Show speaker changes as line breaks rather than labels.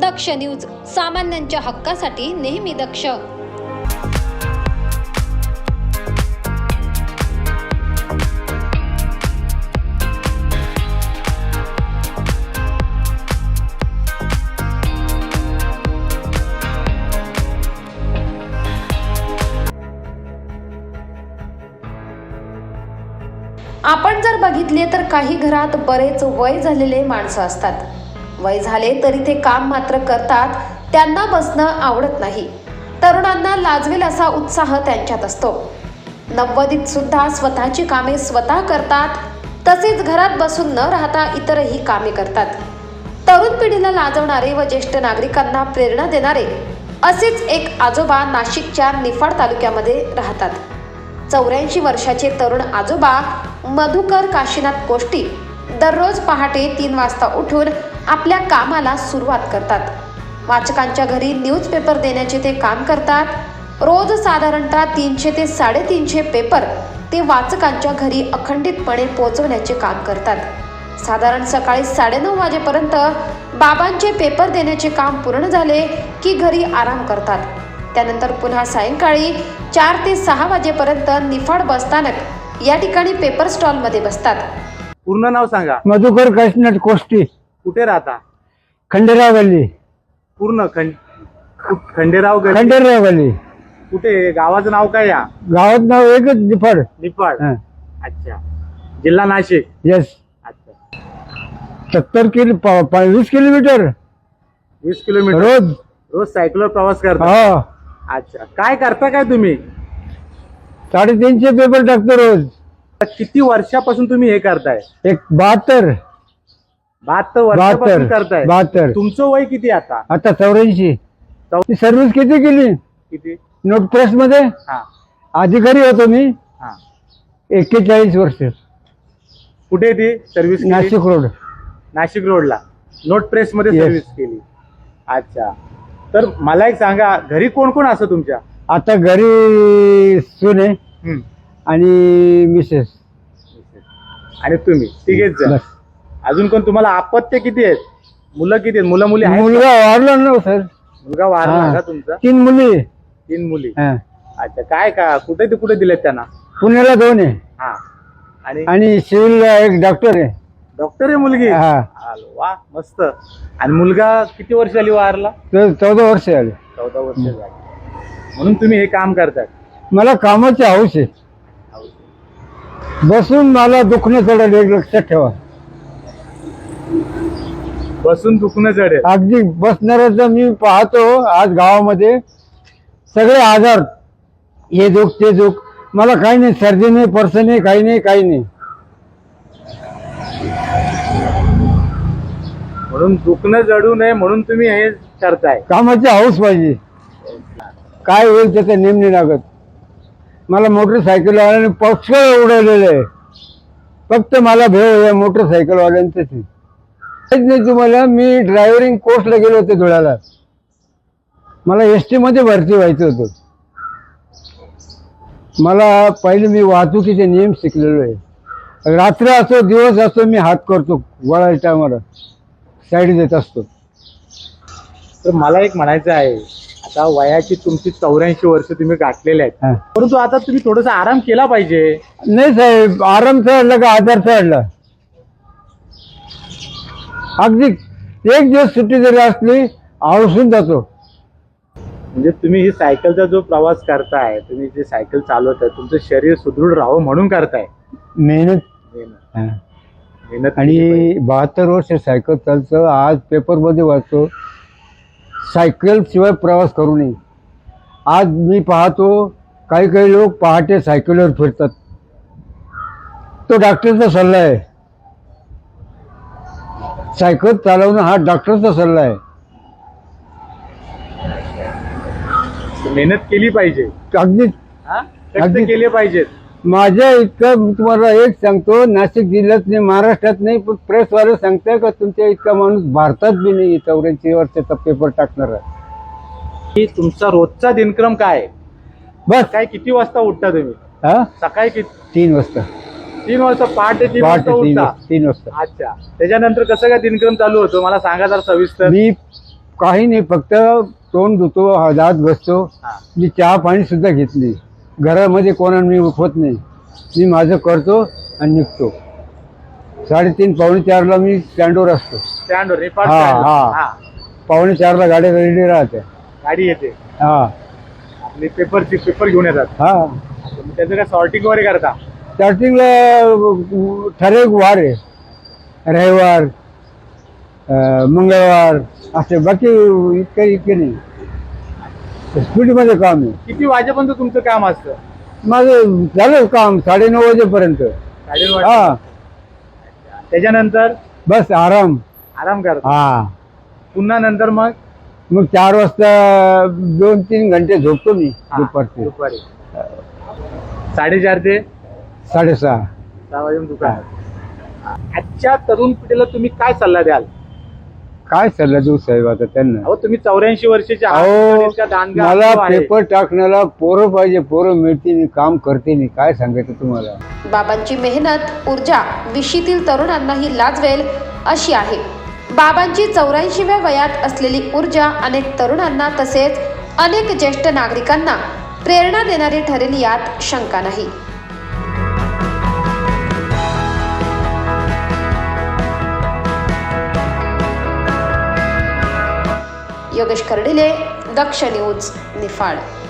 दक्ष news, सामान्यांच्या हक्कासाठी नेहमी दक्ष. आपण जर बघितले तर काही घरात बरेच वय झालेले माणसं असतात. वय झाले तरी ते काम मात्र करतात. त्यांना बसणं आवडत नाही. तरुणांना लाजवेल असा उत्साह त्यांच्यात असतो. 90s सुद्धा स्वतःची कामे स्वतः करतात. तसेच घरात बसून न राहता इतरही कामे करतात. तरुण पिढीला लाजवणारे व ज्येष्ठ नागरिकांना प्रेरणा देणारे असेच एक आजोबा नाशिकच्या निफाड तालुक्यामध्ये राहतात. 84 वर्षाचे तरुण आजोबा मधुकर काशीनाथ कोष्टी दररोज पहाटे 3 वाजता उठून आपल्या कामाला सुरुवात करतात. वाचकांच्या घरी न्यूजपेपर देण्याचे ते काम करतात. रोज साधारणतः 300 ते 350 पेपर ते वाचकांच्या घरी अखंडितपणे पोहोचवण्याचे काम करतात. साधारण सकाळी 9:30 वाजेपर्यंत बाबांचे पेपर देण्याचे काम पूर्ण झाले की घरी आराम करतात. त्यानंतर पुन्हा सायंकाळी 4 ते 6 वाजेपर्यंत निफाड बसस्थानक या ठिकाणी पेपर स्टॉल मध्ये बसतात.
पूर्ण नाव सांगा.
मधुकर काशीनाथ कोष्टी,
कुठे राहता?
खंडेराव गल्ली.
पूर्ण खंडेराव गल्ली.
खंडेराव गल्ली.
कुठे? गावाचं नाव काय? या
गावात नाव एकच निफाड.
निफाड. अच्छा. जिल्हा नाशिक.
यस.
अच्छा.
20 किलोमीटर
20 किलोमीटर
रोज.
रोज सायकलवर प्रवास करता?
हा.
अच्छा. काय करता काय तुम्ही?
350 पेपर टाकतो रोज.
किती वर्षापासून तुम्ही हे करताय?
एक 72
वर्षापासून करताय.
72.
तुमचं वय किती आता?
आता 84. सर्व्हिस किती केली?
किती?
नोट प्रेस मध्ये
हा.
अधिकारी होतो मी.
हा.
41 वर्ष.
कुठे ती सर्व्हिस?
नाशिक रोड.
नाशिक रोडला नोट प्रेस मध्ये
Yes.
सर्व्हिस केली. अच्छा. तर मला एक सांगा, घरी कोण कोण असं तुमच्या?
आता घरी सुने
हम्म.
आणि मिसेस.
आणि तुम्ही तिघेच जण.
बस.
अजून कोण? तुम्हाला अपत्य किती आहेत? मुलं किती आहेत? मुलं मुली आहेत?
मुलगा वारला ना सर.
मुलगा वारला
हा.
का तुमचा?
3 मुली.
3 मुली.
हा.
अच्छा. काय का कुठे ते कुठे दिलेत त्यांना?
पुण्याला 2 आहे.
हा. आणि
आणि सिव्हिलला एक डॉक्टर आहे.
डॉक्टर आहे मुलगी?
हा.
आलो, वा, मस्त. आणि मुलगा किती वर्ष झाली वारला?
14 वर्ष झाले.
14 वर्ष झाली. म्हणून तुम्ही हे काम करताय?
मला कामाची हौस आहे. बसून मला दुखणं चढेल, एक लक्षात ठेवा.
बसून दुखणं चढेल.
अगदी बसणाऱ्याचं मी पाहतो आज गावामध्ये सगळे आजार, हे दुख ते दुख. मला काही नाही, सर्दी नाही, पर्स नाही, काही नाही, काही नाही.
म्हणून दुखणं जडू नये म्हणून तुम्ही हे करताय.
कामाची हौस पाहिजे. काय होईल त्याचा नेम नाही लागत. मला मोटरसायकलवाल्याने पक्ष उडवलेलं आहे. फक्त मला भेव या मोटरसायकलवाल्यांचंच नाही. तुम्हाला मी ड्रायव्हरिंग कोर्सला गेलो होते धुळ्याला. मला एसटी मध्ये भरती व्हायचं होतं. मला पहिले मी वाहतुकीचे नियम शिकलेलो आहे. रात्र असो दिवस असो मी हात करतो. वळायच्या टायमाला साईड देत असतो.
तर मला एक म्हणायचं आहे, आता वयाची तुमची 84 वर्ष तुम्ही गाठलेले आहेत, परंतु आता तुम्ही थोडासा आराम केला पाहिजे.
नाही साहेब, आराम चढला का आजार चढला. अगदी एक दिवस सुट्टी जरी असली आळसून जातो.
म्हणजे तुम्ही ही सायकलचा जो प्रवास करताय, तुम्ही जे सायकल चालवताय, तुमचं शरीर सुदृढ राहावं म्हणून करताय.
मेहनत.
मेहनत.
आणि 72 वर्ष सायकल चालतो. आज पेपरमध्ये वाचतो सायकल शिवाय प्रवास करू नये. आज मी पाहतो काही काही लोक पहाटे सायकलवर फिरतात. तो डॉक्टरचा सल्ला आहे. सायकल चालवणं हा डॉक्टरचा सल्ला आहे.
मेहनत केली पाहिजे.
अगदी
कष्ट केले पाहिजेत.
माझ्या इतकं मी तुम्हाला एक सांगतो, नाशिक जिल्ह्यात नाही, महाराष्ट्रात नाही, पण प्रेसवाले सांगताय का तुमच्या इतका माणूस भारतात बी नाही 84 वर्षाचा पेपर टाकणार आहे.
तुमचा रोजचा दिनक्रम काय?
बस.
काय किती वाजता उठता तुम्ही? सकाळी किती?
3 वाजता.
3 वाजता. पहाटे 3 वाजता उठता?
3 वाजता.
अच्छा. त्याच्यानंतर कसं काय दिनक्रम चालू होतो मला सांगा जरा सविस्तर.
मी काही नाही, फक्त तोंड धुतो, दात बसतो.
हा.
मी चहा पाणी सुद्धा घेतली. घरामध्ये कोणाला मी उठवत नाही. मी माझं करतो आणि निघतो. 3:30 पावणे 4ला मी स्टँडवर असतो.
स्टँडवर नेपाळ
हा,
स्टँडवर.
हा.
हा.
पावणे 4ला गाडी रेडी राहते.
गाडी येते
हा
आणि पेपर घेऊन येतात.
हा.
मग त्याचं काय सॉर्टिंग वगैरे करता?
स्टार्टिंगला ठराविक वार आहे, रविवार, मंगळवार असे, बाकी इतके नाही. स्पीडमध्ये काम आहे
किती वाजेपर्यंत तुमचं काम असतं?
माझं. झालं काम 9:30 वाजेपर्यंत.
9:30
हा.
वाजता. त्याच्यानंतर
बस आराम.
आराम करता.
हा.
पुन्हा नंतर मग
4 वाजता 2-3 घंटे झोपतो मी
हा,
दुपारचे.
दुपारी 4:30 ते
6:30.
6 वाजेपर्यंत दुकान. आजच्या तरुण पिढीला तुम्ही काय सल्ला द्याल?
काय सल्ला देऊ साहेब आता त्यांना?
अहो तुम्ही 84 वर्षाचे आहात.
अहो,
इतका दांडगा
मला
अनुभव आहे.
पेपर टाकण्याला पोरं पाहिजे. पोरं मिळते नाही, काम करते नाही. काय सांगायचं तुम्हाला?
बाबांची मेहनत, ऊर्जा विशीतील तरुणांनाही लाजवेल अशी आहे. बाबांची 84व्या वयात असलेली ऊर्जा अनेक तरुणांना तसेच अनेक ज्येष्ठ नागरिकांना प्रेरणा देणारी ठरेल यात शंका नाही. योगेश कर्डिले, दक्ष न्यूज, निफाड.